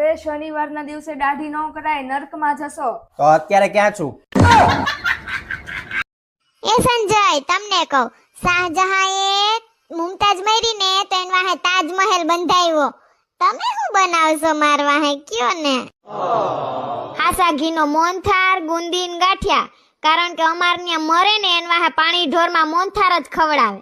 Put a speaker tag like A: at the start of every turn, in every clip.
A: અરે શનિવારના દિવસે દાઢી ન કરાય, નર્કમાં જશો.
B: તો અત્યારે ક્યાં છું?
C: એ સંજય તમને કહું, શાહજહાંએ મુમતાજ મરી ને તો એન વાહે તાજમહેલ બંધાવ્યો. તમે શું બનાવશો માર વાહે કયો ને? હાસા ઘીનો મોહનથાળ, ગુંદીન ગાંઠિયા. કારણ કે અમાર ત્યાં મરે ને એન વાહે પાણી ઢોરમાં મોહનથાળ જ ખવડાવે.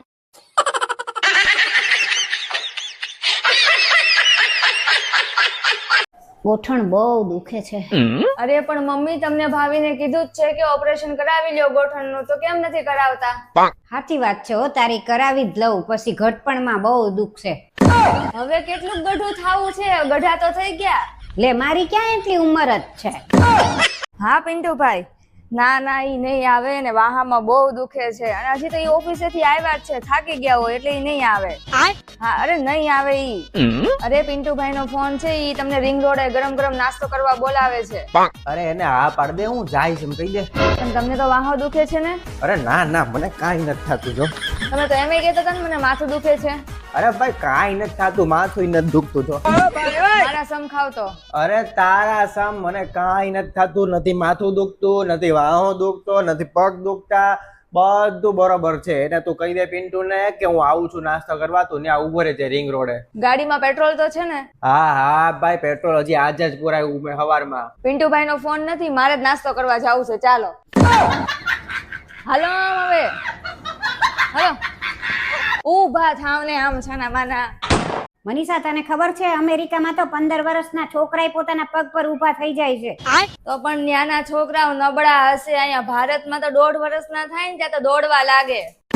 D: ગોઠણ બહુ દુખે છે.
A: અરે પણ મમ્મી તમને ભાભીને કીધું જ છે કે ઓપરેશન કરાવી લ્યો ગોઠણનું, તો કેમ નથી કરાવતા?
D: સાચી વાત છે હો તારી, કરાવી જ લઉં, પછી ઘટપણમાં બહુ દુખ છે.
A: હવે કેટલું ગઢું થાવું છે, ગઢા તો થઈ ગયા.
D: લે મારી ક્યાં એટલી ઉંમર જ છે.
A: હા પિન્ટુભાઈ, ના ના ઈ નહીં આવે ને, વાહામાં બહુ દુખે છે અને હજી તો ઈ ઓફિસેથી આવ્યા જ છે, થાકી ગયા હોય એટલે ઈ નહીં આવે. હા અરે નહીં આવે ઈ. અરે પિન્ટુભાઈ નો ફોન છે, ઈ તમને રિંગ રોડે ગરમ ગરમ નાસ્તો કરવા બોલાવે છે.
B: અરે એને હા પાડ દે, હું જાય છે કહી દે.
A: પણ તમને તો વાહો દુખે છે ને?
B: અરે ના ના, મને કાંઈ નથી થતું. જો
A: તમે તો એમ કહેતા હતા ને મને માથું દુખે છે.
B: અરે ભાઈ કાંઈ નથી થતું, માથું નથી દુખતું. જો
A: મારા સમ ખાવ તો.
B: અરે તારા સમ મને કાંઈ નથી થતું, નથી માથું દુખતું, નથી વાહો દુખતો, નથી પગ દુખતા, બધું બરોબર છે. એને તું કહી દે પિન્ટુ ને કે હું આવું છું નાસ્તો કરવા, તું ત્યાં ઉભો રહે છે રિંગ રોડે.
A: ગાડીમાં પેટ્રોલ તો છે ને?
B: હા હા ભાઈ, પેટ્રોલ હજી આજે જ પુરાયું મેં સવારમાં.
A: પિન્ટુભાઈ નો ફોન નથી, મારે જ નાસ્તો કરવા જવું છે. ચાલો હાલો હવે, હાલો ઊભા થાવ ને આમ છાના માના.
D: મનીષા તને ખબર છે અમેરિકામાં તો 15 વર્ષના છોકરાએ પોતાના પગ પર ઊભા થઈ જાય છે.
A: તો પણ ત્યાંના છોકરાઓ નબળા હશે, અહીંયા ભારતમાં તો 1.5 વર્ષના થાય ને ત્યાં તો દોડવા લાગે.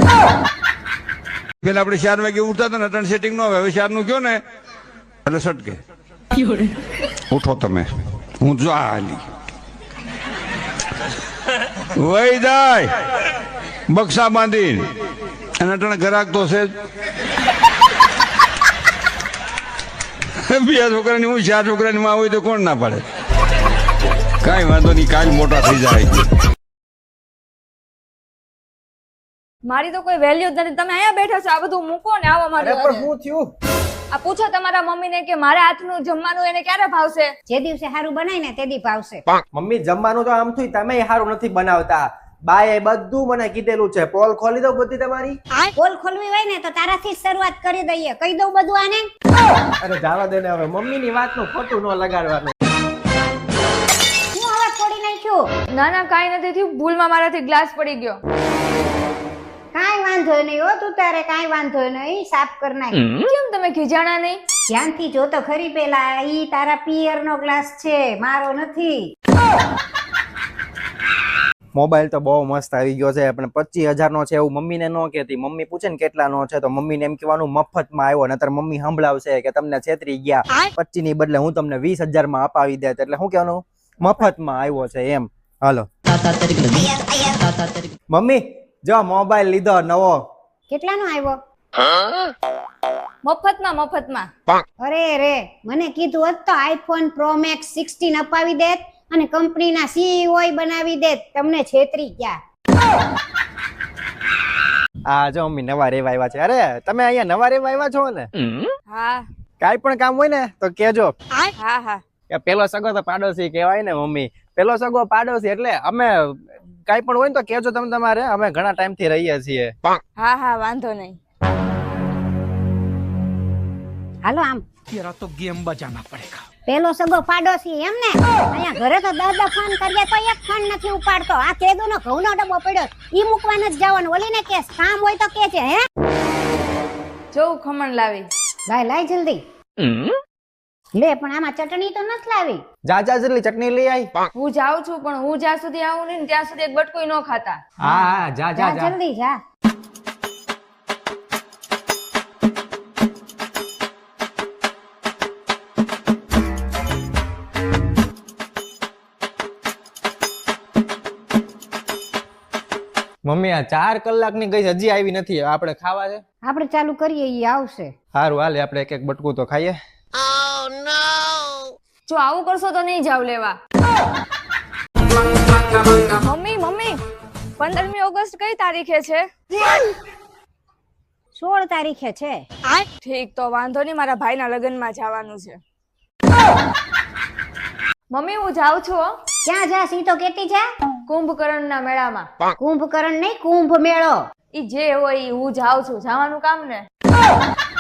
E: પેલા આપણે 4 વાગે ઉઠતા હતા ને, અટણ સેટિંગ નો હવે 4 નું કયો ને એટલે સટકે ઉઠો તમે, હું જો હાલી વહી જાય બક્સા બાંધીને અને અટણ ઘરાક તો છે બે છોકરાની હું 4 છોકરાની માં હોય તો કોણ ના પાડે? કઈ વાંધો નહીં, કાલ મોટા થઈ જાય.
A: મારી તો કોઈ વેલ્યુ જ નથી. તમે અહીંયા બેઠા છો, આ બધું મૂકો ને આવો મારી
B: પણ શું થયું?
A: આ પૂછો તમારા મમ્મીને કે મારા હાથનું જમવાનું એને ક્યારે ભાવશે?
D: જે દિવસે સારું બનાય ને તે દી ભાવશે.
B: મમ્મી જમવાનું તો આમ થયું, તમે સારું નથી બનાવતા. બાએ બધું મને કીધેલું છે. પોલ ખોલી દઉં બધી તમારી?
D: પોલ ખોલવી હોય ને તો તારાથી જ શરૂઆત કરી દઈએ. કહી દઉં બધું આને?
B: અરે જાવા દે ને હવે, મમ્મીની વાતનું ખોટું ન લગાડવાનું.
D: હું હવે છોડી નાખ્યું.
A: ના ના કાંઈ નથી થયું, ભૂલમાં મારાથી ગ્લાસ પડી ગયો.
D: કાંઈ વાંધો નહીં હો, તું તારે કાંઈ વાંધો નહીં, સાફ કર નાખ.
A: કેમ તમે ખીજાણા નહીં?
D: ધ્યાનથી જો તો ખરી, પેલા ઈ તારા પિયર નો ગ્લાસ છે, મારો નથી.
B: મોબાઈલ તો બહુ મસ્ત આવી ગયો છે, પણ 25,000 નો છે એવું મમ્મીને ન કહેતી. મમ્મી પૂછે ને કેટલા નો છે તો મમ્મીને એમ કહેવાનું મફતમાં આવ્યો, નતર મમ્મી સંભળાવશે કે તમને છેતરી ગયા, 25 ની બદલે હું તમને 20,000 માં અપાવી દે. એટલે શું કહેવાનું? મફતમાં આવ્યો છે એમ. હાલો મમ્મી જો મોબાઈલ લીધો નવો.
D: કેટલાનો આવ્યો?
A: મફતમાં.
D: અરે રે, મને કીધું હોત તો આઈફોન પ્રો મેક્સ 16 અપાવી દેત અને કંપનીના સીઈઓ બનાવી દેત. તમને છેતરી ગયા.
B: આ જો મમ્મી નવા રેવા આવ્યા છે. અરે તમે અહીંયા નવા રેવા આવ્યા છો ને?
A: હા
B: કાઈ પણ કામ હોય ને તો કેજો.
A: હા હા.
B: કે પેલો સગો તો પાડોશી કહેવાય ને મમ્મી. પેલો સગો પાડોશી એટલે અમે કાઈ પણ હોય ને તો કેજો તમે તમારે. અમે ઘણા ટાઈમ થી રહીએ છીએ.
A: હા હા વાંધો નહીં.
D: હાલો આમ.
F: तेरा तो गेम बजाना पड़ेगा.
D: પેલો સગો પાડોશી એમ ને? અહીંયા ઘરે તો 10 ફોન કરીએ તો એક ફોન નથી ઉપાડતો. આ કેદુનો ઘઉંનો ડબ્બો પડ્યો, ઈ મૂકવાનો જ જવાનું. ઓલીને કેસ કામ હોય તો કે છે. હે
A: જોઉં ખમણ લાવી.
D: લાય જલ્દી. લે પણ આમાં ચટણી તો નથી લાવી.
B: જા જલ્દી ચટણી લઈ આઈ.
A: હું જાઉં છું પણ હું જ્યાં સુધી આવું નહીં ત્યાં સુધી એક બટકુય ન ખાતા.
B: હા જા
D: જલ્દી જા.
B: મમ્મી આ 4 કલાકની ગઈ હજી આવી નથી. આપણે ખાવા છે?
D: આપણે ચાલુ કરીએ, ઈ આવશે.
B: સારું હાલે, આપણે એક બટકું તો ખાઈએ.
A: જો આવું કરશો તો નહીં જાવ લેવા. મમ્મી 15મી ઓગસ્ટ કઈ તારીખે છે?
D: 16 તારીખે છે.
A: ઠીક, તો વાંધો નહીં, મારા ભાઈના લગ્નમાં જવાનું છે. મમ્મી હું જાઉં છું હો,
D: ક્યાં જા સી તો કેતી છે?
A: કુંભકર્ણના મેળામાં.
D: કુંભકર્ણ નહીં, કુંભ મેળો.
A: ઈ જે હોય ઈ હું જાઉં છું, જવાનું કામ ને.